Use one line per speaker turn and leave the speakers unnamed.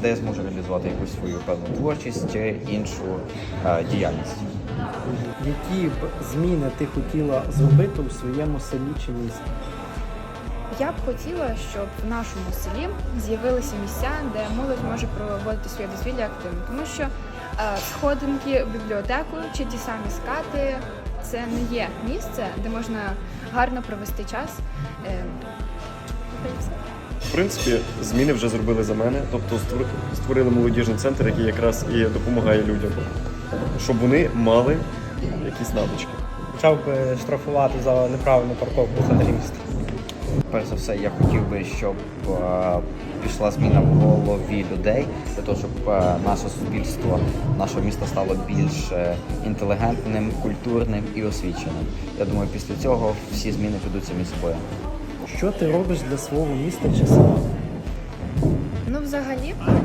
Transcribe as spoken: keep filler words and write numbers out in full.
де я зможу реалізувати якусь свою певну творчість чи іншу е, діяльність.
Які б зміни ти хотіла зробити у своєму селі чи місті?
Я б хотіла, щоб в нашому селі з'явилися місця, де молодь може проводити своє дозвілля активно. Тому що е, сходинки в бібліотеку чи ті самі скати – це не є місце, де можна гарно провести час. Е, та й все.
В принципі, зміни вже зробили за мене, тобто створ- створили молодіжний центр, який якраз і допомагає людям, щоб вони мали якісь навички.
Почав би штрафувати за неправильну парковку в центрі міста.
Перш за все, я хотів би, щоб е, пішла зміна в голові людей, для того, щоб е, наше суспільство, наше місто стало більш е, інтелігентним, культурним і освіченим. Я думаю, після цього всі зміни підуть самі собою.
Що ти робиш для свого міста чи села?
Ну, взагалі,